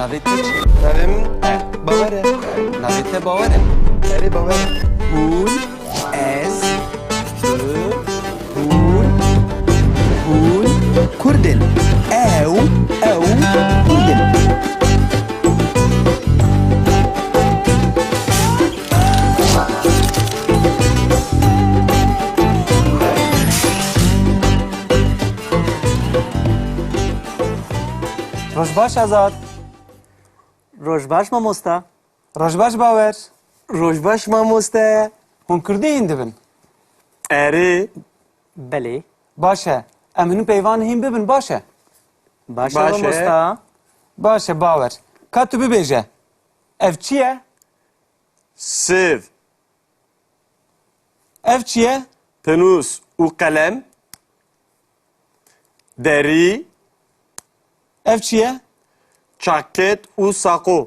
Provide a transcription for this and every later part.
navê te çi? Navê min Bawer e. Navê te bawer e. Erê Bawer e. Hûn, ez, tu, hûn Kurdin. Ew Kurdin. Rojbaş Azad, Rojbaş mamosta. Rojbaş Bawer, Rojbaş mamoste. hûn Kurdî hîn dibin. Erê. Belê. Baş e, em hûn peyvan hîn bibin baş e. Baş Baş e. mamosta. Baş e Bawer. Ka tu bibêje. Ev çi ye? Siv. Ev çi ye? Penûs û qelem. Derî. Ev çi ye? Çaket û saqo.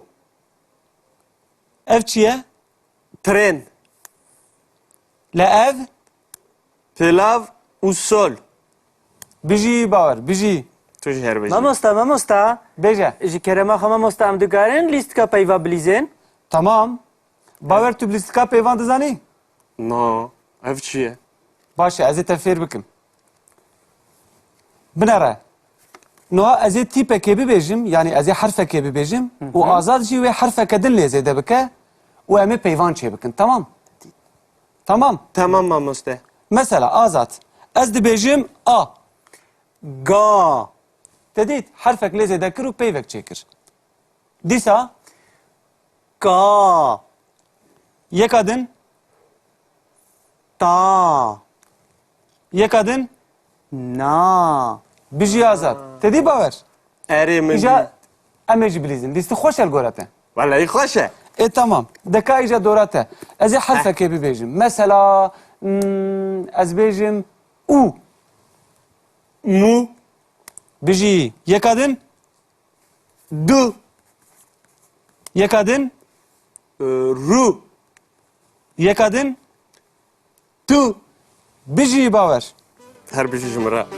Ev çi ye? Tren. Le ev? Pilav û sol. Bijî Bawer, bijî. Tu jî her bijî. Mamosta. Bêje. Ji kerema xwe mamosta em dikarin lîstka peyva bilîzin. Tamam. Bawer tu bi lîstika peyvan dizanî? No. Ev çi ye? Baş e, ez ê te fêr bikim. Binare. Niha ez ê tîpekê bibêjim, yani ez ê herfekê bibêjim û Azad jî wê herfeke din lêzê de bike û em ê peyvan çê bikin, tamam? Tamam. Tamam mamoste. Mesela Azad, ez dibêjim A. Ga. Te dît herfek lêzê de kir û peyvek çêkir. Dîsa Ka. yeka din, Ta. yeka din Na. bijî Azad. Te dî bawer? Erê min. İja em ê jî bilîzin. Dîstî xweş el gora te. Vallahi xweş e. Tamam. Deka îja dora te. Ez ê herfekê bibêjim. Mesela ez bêjim û. Mû. Bijî yeka din, Du. yeka din, Ru. yeka din Tu. bijî bawer. Her bijî ji min re.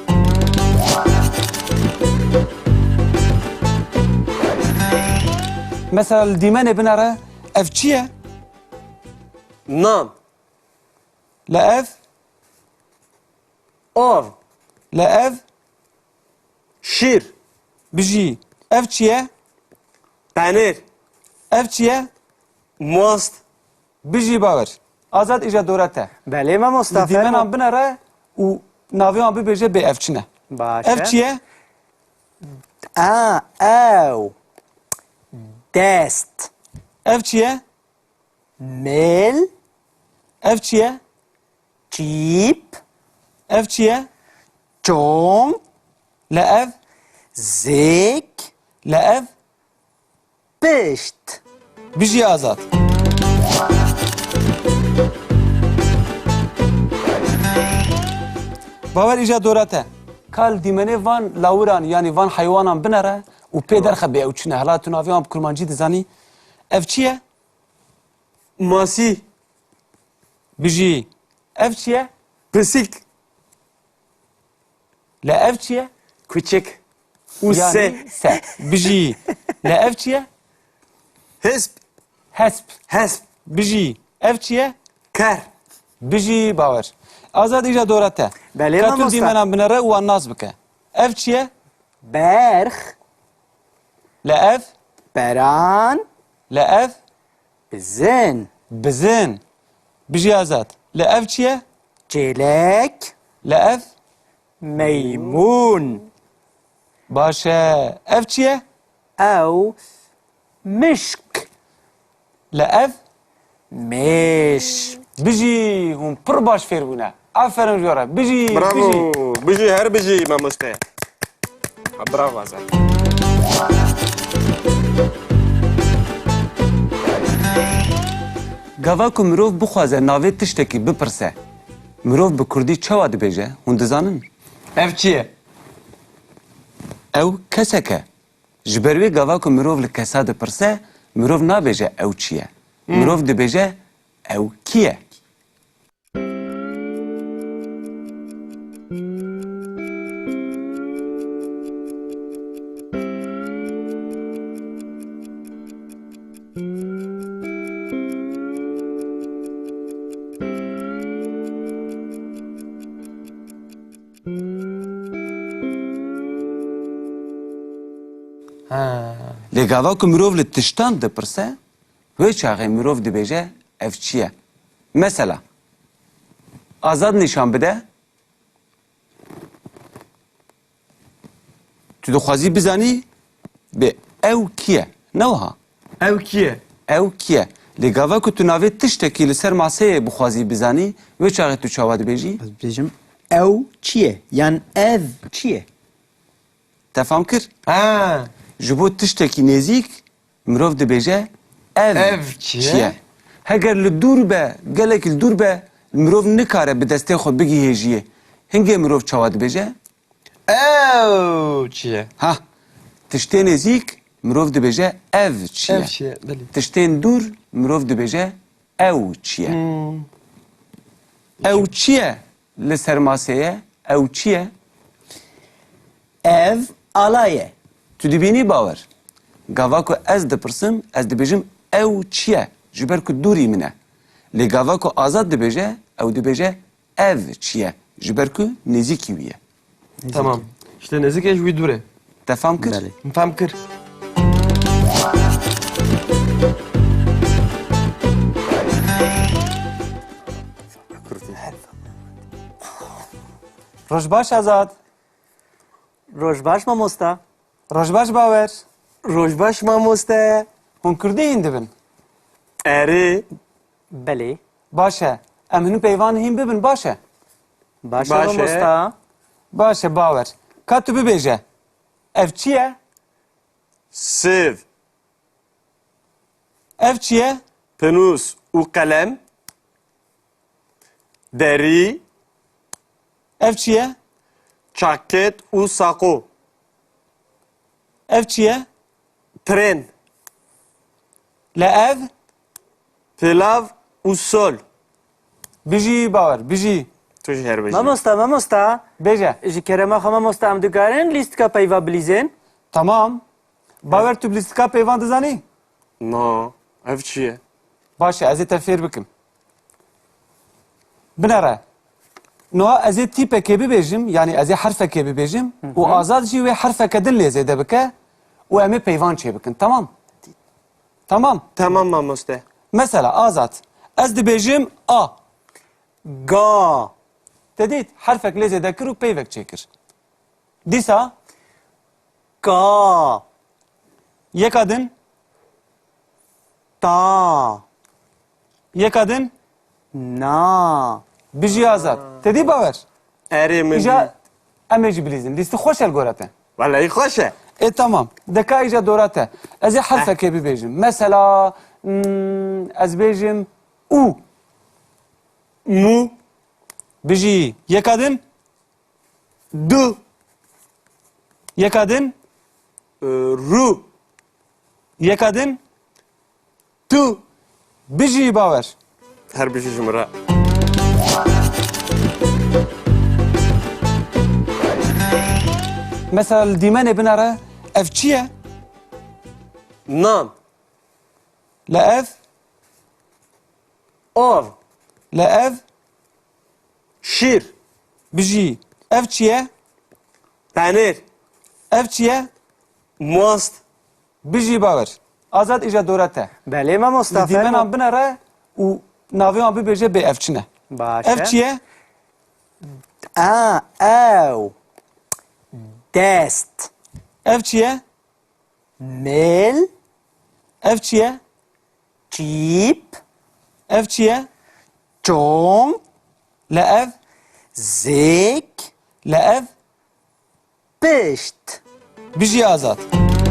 Mesela li dîmenê binare ev çi ye? Nan. Le ev, Ov. le ev Şîr. bijî ev çi ye? Penêr. Ev çi ye? Most. Bijî bawer. Azad îja dora te. Belê mamosta. Li dîmenan binare û navê wan bibêje bê ev çi ne. Baş Ev çi ye? A. Ew. Dest. Ev çi ye? Mel. Ev çi ye? Çîp. Ev çi ye? Çong. Le ev, Zêk. le ev Pişt. bijî Azad. Bawer îja dora te. Kal dîmenê van lawiran yani van heywanan binere û pê derxe bê ew çi ne. Hela tu navê wan bi kurmancî dizanî. Ev çi ye? Masî. Bijî. Ev çi ye? Pisîk. Le ev çi ye? Küçük. û se. Yani se. Bijî. Le ev çi ye? Hesp. Hesp. Hesp. Bijî. Ev çi ye? Ker. Bijî bawer. Azad îja dora te. Belê Ka tu mamosta. dîmenan binere û wan nas bike. Ev çi ye? Berx. Le ev, Beran. le ev Bizin. bizin. Bijî Azad. Le ev çi ye? Çêlek. Le ev Meymun. baş e. Ev çi ye? Ew. Mişk. Le ev Meş. bijî hûn pir baş fêr bûne. Aferin jora. Bijî. Bravo. Bijî. Bijî her bijî mamoste. Bravo Azad. Gava ku mirov bixwaze navê tiştekî bipirse, mirov bi Kurdî çawa dibêje? Hûn dizanin? Ev çi ye? Ew kesek e. Ji ber wê gava ku mirov li kesa dipirse, mirov nabêje ew çi ye. Mirov dibêje ew kî ye? Lê gava ku mirov li tiştan dipirse, wê çaxê mirov dibêje ev çi ye? Mesela, azad nîşan bide, tu dixwazî bizanî bê ew kî ye? Ne wiha? Ew kî ye? Ew kî ye? Lê gava ku tu navê tiştekî li ser maseyê bixwazî bizanî, wê çaxê tu çawa dibêjî? Ez dibêjim ew çi ye? Yan ev çi ye? Te fam kir? Ha. Ji bo tiştekî nêzik, mirov dibêje ev çi ye? Heger li dûr be, gelekî li dûr be, mirov nikare bi destê xwe bigihêjiye. Hingê mirov çawa dibêje? Ew çi ye? Ha, tiştê nêzik, mirov dibêje ev çi ye. Ev çi ye? Belê. Tiştên dûr, mirov dibêje ew çi ye. Ew çi ye li ser maseyê? Ew çi ye? Ev ala ye. Tu dibînî bawer. Gava ku ez dipirsim, ez dibêjim ew çi ye? Ji ber ku dûrî min e. Lê gava ku azad dibêje, ew dibêje ev çi ye? Ji ber ku nêzîkî wî ye. Tamam. İşte nezik eş wî dûr e. Te fam kir? Belê. Fem kir. Roj baş Azad. Rojbaş mamosta. Roj baş bawer. Rojbaş mamoste. Hûn Kurdî hîn dibin. Erê. Belê. Baş e. Em hûn peyvan hîn bibin baş e. Baş Baş e. mamosta. Baş e bawer. Ka tu bibêje. Ev çi ye? Sêv. Ev çi ye? Penûs û qelem. Derî. Ev çi ye? Çaket û saqo. Ev çi ye? Tren. Le ev? Pilav û sol. Bijî bawer, bijî. Tu ji her bejî. Mamosta. Bêje. Ji kerema xwe mamosta em dikarin lîstika peyva bilîzin? Tamam. Bawer tu bi lîstika peyvan dizanî? No. Ev çi ye? Baş e, ez ê te fêr bikim. Binare. Niha ez ê tîpekê bibêjim, yani ez ê herfekê bibêjim û azad jî wê herfeke din lê zêde bike û em ê peyvan çê bikin. Tamam? Tamam. Tamam mamoste. Mesela azad. Ez dibêjim A. Ga. Te dît herfek lê zêde kir û peyvek çêkir. Dîsa Ka. yeka din, Ta. yeka din Na. bijî azad. Te dî bawer? Erê min. İja em ê jî bilîzin. Lîstî xweş el gora te. Vallahi xweş e. Tamam. Deka îja dora te. Ez ê herfekê bibêjim. Mesela ez bêjim û. Mu. Bijî yeka din, Du. yeka din, Ru. yeka din Tu. bijî bawer. Her bejî ji min re. Mesela li dîmenê binare ev çi ye? Nan. Le ev, Av. le ev Şîr. bijî ev çi ye? Penêr. Ev çi ye? Mast. Bijî bawer. Azad îja dora te. Belê mamosta. Li dîmenan binare û navê wan bibêje bê ev çi ne? Baş Ev e. çi ye? A. Ew. Dest. Ev çi ye? Mel. Ev çi ye? Çîp. Ev çi ye? Çong. Le ev, Zêk. le ev Pişt. bijî azad.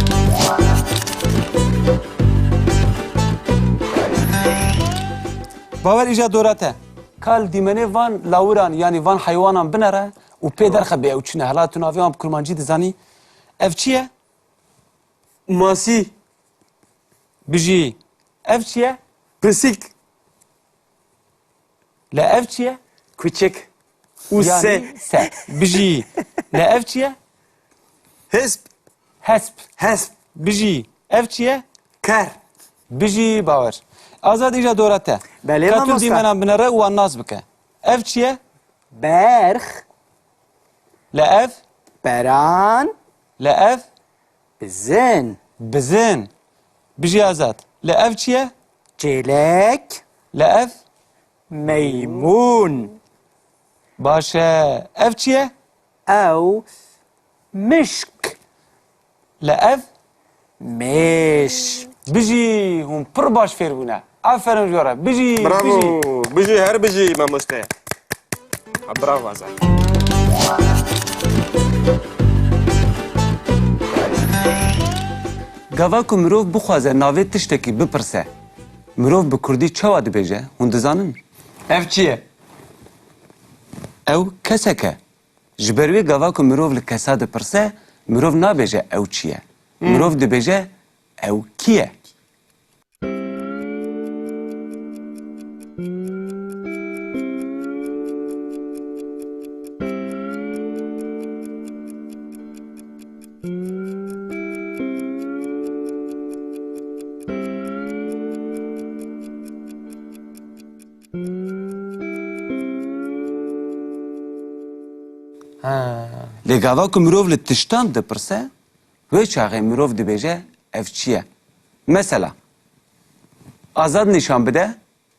Bawer îja dora te. Kal dîmenê van lawiran yani van heywanan binere û pê derxe bê ew çi ne. Hela tu navê wan bi kurmancî dizanî. Ev çi ye? Masî. Bijî. Ev çi ye? Pisîk. Le ev çi ye? Küçük. û se. Yani se. Bijî. Le ev çi ye? Hesp. Hesp. Hesp. Bijî. Ev çi ye? Ker. Bijî bawer. Azad îja dora te. Belê Ka tu mamosta. dîmenan binere û wan nas bike. Ev çi ye? Berx. Le ev, Beran. le ev Bizin. Bizin. Biji azad. Le ev çiye? Çelek. Le ev? Meymun. Başa. Ev çiye? Ev mişk. Le ev? Meş. Biji. Hum pır baş ferbuna. Aferin jora. Biji. Biji. برافو بيجي هر بيجي ما مستاهل برافو عزام Gava ku mirov bixwaze navê tiştekî bipirse, mirov bi Kurdî çawa dibêje, hûn dizanin? Ev çiye? Ew kesek e. Ji ber wê gava ku mirov li kesa dipirse, mirov nabêje ew çi ye. Mirov dibêje ew kî ye? Lê gava ku mirov li tiştan dipirse, wê çaxê mirov dibêje ev çi ye? Mesela, azad nîşan bide,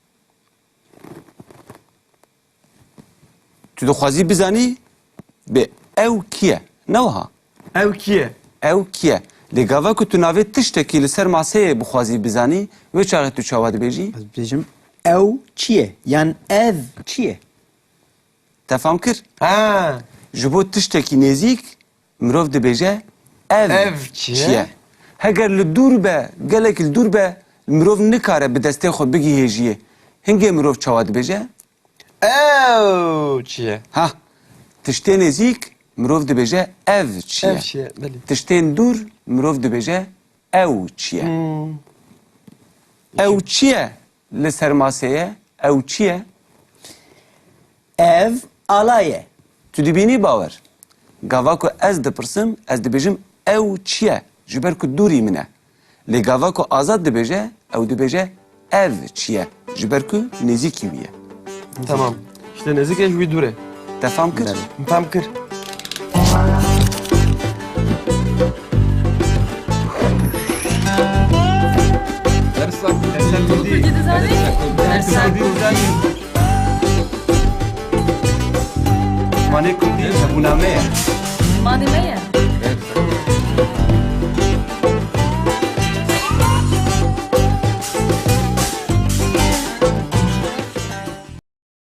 tu dixwazî bizanî bê ew kî ye? Ne wiha? Ev kiye? Ew kî ye? Lê gava ku tu navê tiştekî li ser maseyê bixwazî bizanî, wê çaxê tu çawa dibêjî? Ez bêjim ew çi ye? Yani ev çi ye? Te fam kir? Ha. Ji bo tiştekî nêzik, mirov dibêje ev Ev çi ye? Heger li dûr be, gelekî li dûr be, mirov nikare bi destê xwe bigihêjiye. Hingê mirov çawa dibêje? Ev çiye? Ha, tiştê nêzik, mirov dibêje ev çi ye? Ev çiye, belî. Tiştên dûr, mirov dibêje ew çi ye? Ew çi ye li ser maseyê? Ew çi ye? Ev ala ye. Tu dibînî bawer. Gava ku ez dipirsim, ez dibêjim ew çi ye? Ji ber ku dûrî min e. Lê gava ku azad dibêje, ew dibêje ev çi ye? Ji ber ku nêzîkî wî ye. Tamam. İşte nezik ev bir dure. Te fam kir? Tam kır. Mane kurdî hebûname ye. ماني مية